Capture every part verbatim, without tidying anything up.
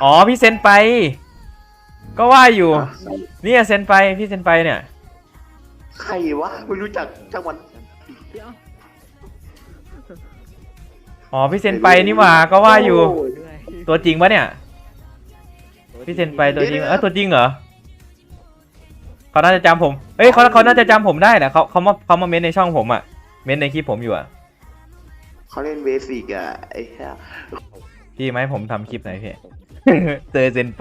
อ๋อพี่เซนไปก็ว่าอยู่เนี่ยเซนไปพี่เซนไปเนี่ยใครวะไม่รู้จักจังหวัดอ๋อพี่เซนไปนี่หว่าก็ว่าอยู่ตัวจริงปะเนี่ยพี่เซนไปตัวจริงเออตัวจริงเหรอเขาน่าจะจำผมเอ้ยเขาเขาน่าจะจำผมได้นะเขาเขามาเขามาเม้นในช่องผมอะเม้นในคลิปผมอยู่อะเขาเล่นเบสิกอะไอ้เหี้ยพี่ไหมผมทำคลิปไหนพี่ เจอเซนไป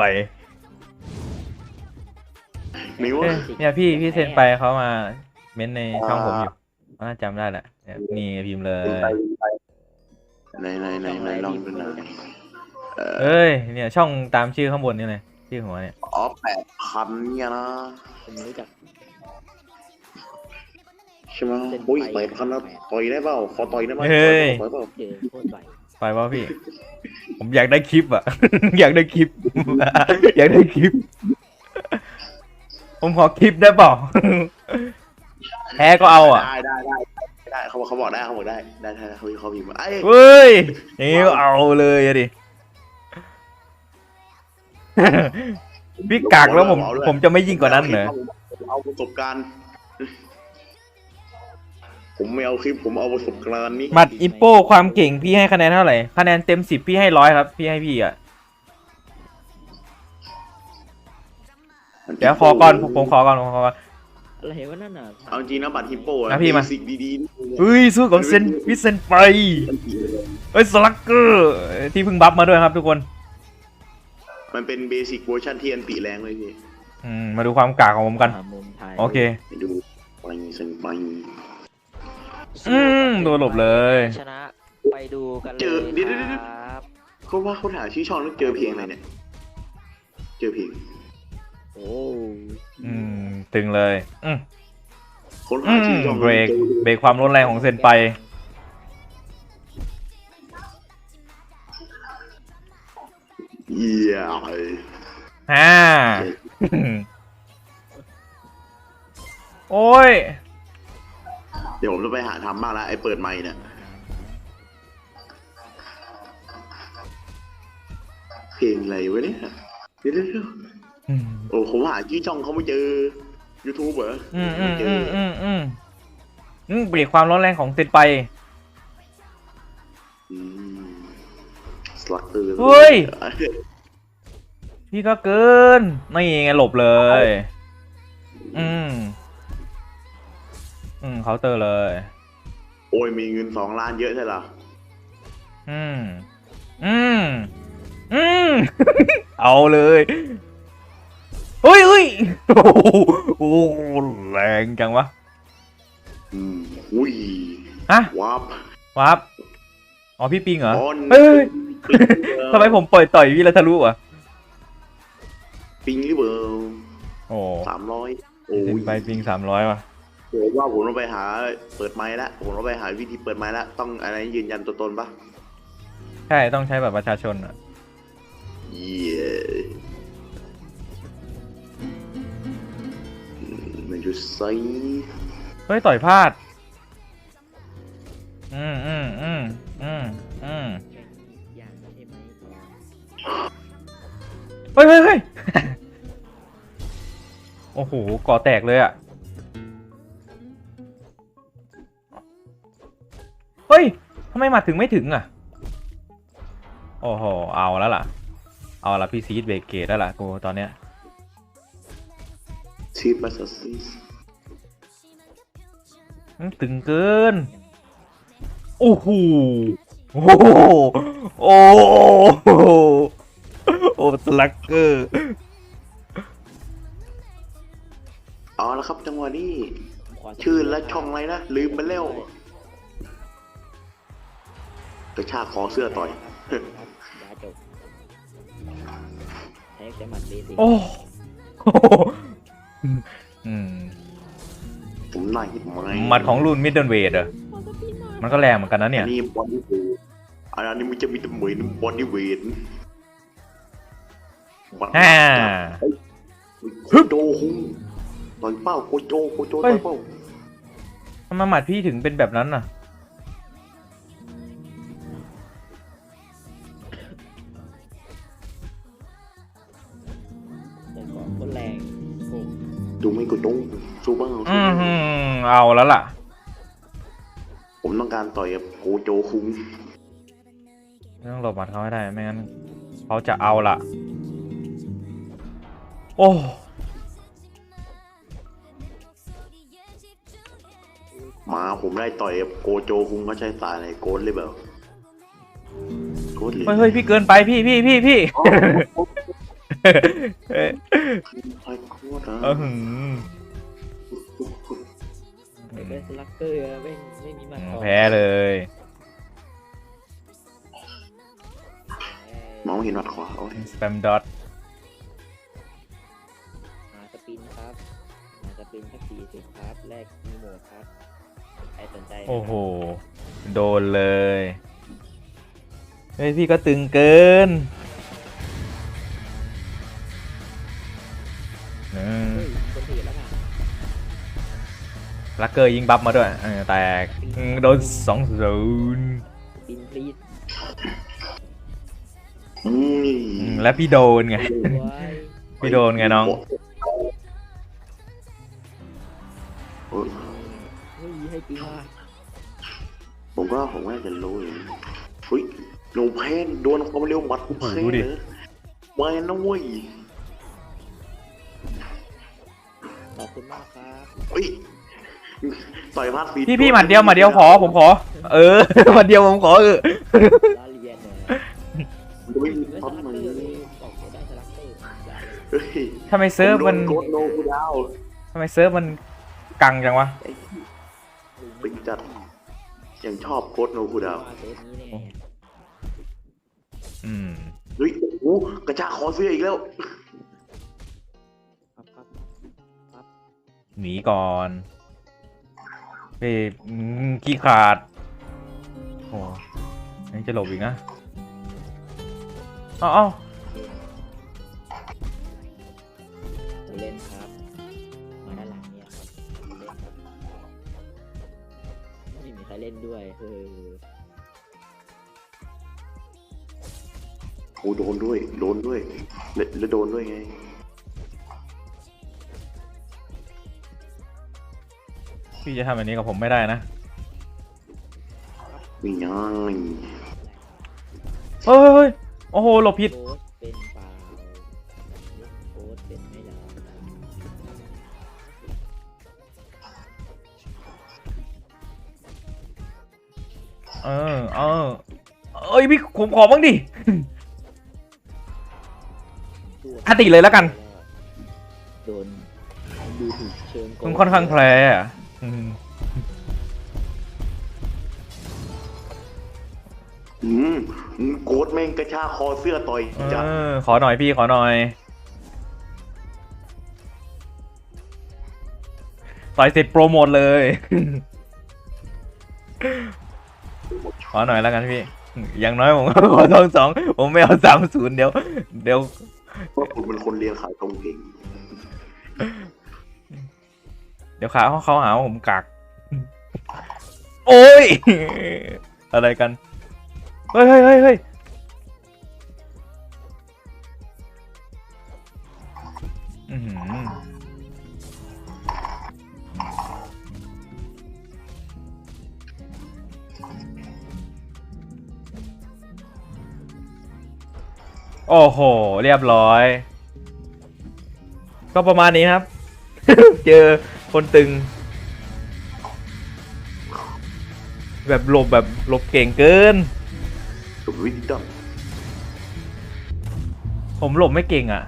มิวเอ้ยเนี่ยพี่พี่เซนไปเขามาเม้นในช่องผมอยู่เขาน่าจำได้แหละเนี่ยนี่พิมพ์เลเป็นยไปในในในในลองดูหน่อยเอ่อเอ้ยเนี่ยช่องตามชื่อข้างบนนี่เลยชื่อหัวเนี่ยอ๋อแปดพันเนี่ยนะผมรู้จักใช่ไหมอุ้ยแปดพันแล้วต่อยได้เปล่าขอต่อยได้ไหมเฮ้ยต่อยเปล่าเจอโคตรใหญ่ไปวะพี่ ผมอยากได้คลิปอะ อยากได้คลิป อยากได้คลิป ผมขอคลิปได้เปล่า แพ้ก็เอาอ่ะได้ได้ได้ได้เขาบอกเขาบอกได้เขาบอกได้ได้ได้เขาเขาพิมพ์มาไอ้เฮ้ยอย่างนี้ก็เอาเลยอะดิ พี่กากแล้วผมผมจะไม่ยิ่งกว่านั้นเหรอเอาประสบการณ์ ผมไม่เอาคลิปผมเอาประสบการณ์นี้หมัดอิปโป้ความเก่งพี่ให้คะแนนเท่าไหร่คะแนนเต็มสิบพี่ให้ร้อยครับพี่ให้พี่อ่ะเดี๋ยวขอก่อนผมผมขอก่อนผมขอก่อนอะไรวะนั่นน่ะเอาจริงนะบัตรฮิปโป้นะพี่มาสิ่งดีๆเฮ้ยสู้กับเซนวิเซนไปเฮ้ยสลักเกอร์ที่เพิ่งบัฟมาด้วยครับทุกคนมันเป็นเบสิกเวอร์ชันที่อันติแรงเลยพี่อืมมาดูความกากของผมกันหามุมถ่ายโอเคไปดูไปเซนไปอืมโดนหลบเลยชนะไปดูกันเลเจอย เดี๋ยวเดี๋ยวคเดี๋ยวรับเขาว่าเขาถามชื่อช่องแล้วเจอเพลงอะไรเนี่ย เจอเพลงโอ้อืมตึงเลยอืมคนอืหาม ชื่อช่องเบรกเบรกความรุนแรงของเซนไปเยี่ยมฮ่า โอ้ยเดี๋ยวผมจะไปหาทำบ้างละไอ้เปิดไมค์เนี่ยเพลงอะไรวะเนี่ยเดี๋ยวเดี๋ยวเดี๋ยวอืมโอ้ผมหาชื่อช่องเขาไม่เจอ YouTube เหรออืมอืไม่มเจอือมอืมอืมอืมเบรกความร้อนแรงของเซนไปอืมสลักเตอร์เฮ้ย พี่ก็เกินไม่ไงหลบเลย อืมอืมเคาน์เตอร์เลยโอ้ยมีเงินสองล้านเยอะใช่เหรออืมอืมอืม เอาเลยเฮ้ยเฮ้ยโอ้โหแรงจังวะอืมอุ้ยฮะวับวับอ๋อพี่ปิงเหรออ๋อเฮ้ยทำไมผมปล่อยต่อยพี่แล้วทะลุอ่ะปิงหรือเปล่าโอ้สามร้อยโอ้ถึงยไปปิงสามร้อยว่ะผมว่าผมต้องไปหาเปิดไม้ละผมต้องไปหาวิธีเปิดไม้ละต้องอะไรยืนยันตัวตนปะใช่ต้องใช้แบบประชาชนอ่ะเย้มันจะใส่เฮ้ยต่อยพลาดอืมอืมอืมอืมอืมอย่างใช่ไหมเฮ้ยเฮ้ยเฮ้ย โอ้โหก่อแตกเลยอ่ะเฮ้ยทำไมมาถึงไม่ถึงอ่ะโอ้โหเอาแล้วล่ะเอาละพี่ซีดเบรกเกตแล้วล่ะกูตอนเนี้ยชีพมาสซิสอืมตึงเกินโอ้โหโอ้โหโอ้โหโอ้สลักเกอร์เอาละครับจังหวะนี้ผมขชื่อและช่องอะไรนะลืมไปแล้วกระชากคอเสื้อต่อยครับยาจบแท็กแต่หมัดเบสิกโอ้โหอืมผมน่าหิดไหมหมัดของรุ่นมิดเดิลเวทอะมันก็แรงเหมือนกันนะเนี่ยอันนี้บอดี้เวทอันนี้มันจะมีแต่เหมือนบอดี้เวทฮ่าโคโจคุงต่อยเป้าโคโจโคโจเฮ้ต่อย ยเป้าทำไมหมัดพี่ถึงเป็นแบบนั้นน่ะดูไม่กดตุ้งสู้บ้างอืมฮึเอาแล้วล่ะผมต้องการต่อยกับโกโจคุงต้องหลบหมัดเขาให้ได้ไม่งั้นเขาจะเอาล่ะ โอ้มาผมได้ต่อยกับโกโจคุงเขาใช้สายอะไรโกดเลยเปล่าโกดเลยเฮ้ยเฮ้ยพี่เกินไปพี่พี่พี่พี่ เอ้ยไอ้โคตรเออหือไม่เป็นสลักเกอร์อะไม่ไม่มีมาต่อแพ้เลยมองไม่เห็นหมัดขวาโอ้ยสแปมดอทหาสปินครับหาสปินสักสี่สิบครับแลกมีโหมดครับใครสนใจนะครับโอ้โห โดนเลย เฮ้ยพี่ก็ตึงเกินอืมเฮ้ยคนถือแล้วค่ะลักเกอร์ยิงบัฟมาด้วยเออแตกอืมโดนสองศูนย์สปินพลีสอืมแล้วพี่โดนไงสวยพี่โดนไงน้องเออเฮ้ยให้จริงว่ะผมก็ผมว่าจะรู้อยู่เฮ้ยโนแพนโดนความเร็วหมัดกูแพ้ดูดิเลยมานะเว้ยขอบคุณมากครับเฮ้ยต่อยพลาดฟีดพี่พี่หมัดเดียวหมัดเดียวขอผมขอ เออ หมัดเดียวผมขอเออล้อเลียนเนี่ยมันไม่มีไม่สปั๊มลักมืเกออร์เลยบอกเขาได้สลักเกอร์ได้เลยเฮ้ยทำไมเซิร์ฟมันโดโกดโนกูดาวทำไมเซิร์ฟมันกังจังวะเป็นจัดยังชอบโกดโนกูดาวว่าเซฟนี้เนี่ยอืมเฮ้ยโอ้โหกระชากคอเสื้ออีกแล้วครับครับครับหนีก่อนเฮ้ยอืมขี้ขาด โอ้ยังจะหลบอีกนะเอ้าเอ้าจะเล่นครับมาด้านหลังเนี่ยครับเล่นครับไม่มีใครเล่นด้วยเออโอ้โดนด้วย โดนด้วย แล้วแล้วโดนด้วยไงพี่จะทำแบบนี้กับผมไม่ได้นะมียังเฮ้ยเฮ้ยโอ้โหหลบผิดโค้ชเป็นเปล่าโค้ชเป็นไม่ได้เออเออเอ้ยพี่ผมขอบ้างดิ อติเลยแล้วกันโดนดูถูกเชิงโกมันค่อนข้างแพ้อะอืมอืมโกดแม่งกระชากคอเสื้อต่อยจัดเออขอหน่อยพี่ขอหน่อย ต่อยเสร็จโปรโมทเลย ขอหน่อยแล้วกันพี่ อย่างน้อยผมก็ขอทองสองผมไม่เอาสามศูนย์เดี๋ยว เดี๋ยวเพราะคุณเป็นคนเรียนขายตรงเก่งเดี๋ยวขาเขาเขาหาว่าผมกัก โอ้ย อะไรกัน เฮ้ยเฮ้ยเฮ้ยเฮ้ยอื้อหือโอ้โห เรียบร้อย ก็ประมาณนี้ครับ เจอคนตึง แบบหลบแบบหลบเก่งเกินสุดวิจิตรผมหลบไม่เก่งอ่ะ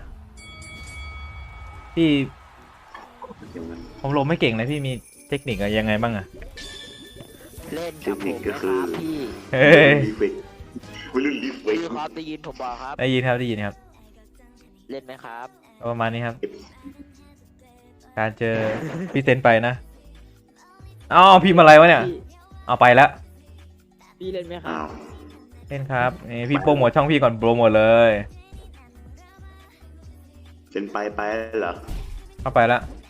พี่อย่างนั้นผมหลบไม่เก่งนะพี่มีเทคนิคอะไรยังไงบ้างอ่ะเล่นกับผมไหมครับพี่เฮ้ยรีเฟกไม่รุ่นรีเฟกพี่ครับได้ยินผมบอกครับได้ยินครับได้ยินครับเล่นไหมครับก็ประมาณนี้ครับ การเจอพี่เซนไปนะอ๋อพิมพ์อะไรวะเนี่ยพี่เอาไปแล้วพี่เล่นไหมครัอ้าบวเล่นครับนี่พี่โปรโมทช่องพี่ก่อนโปรโมทเลยเซ็นไปไปเหรอเข้าไปแล้ว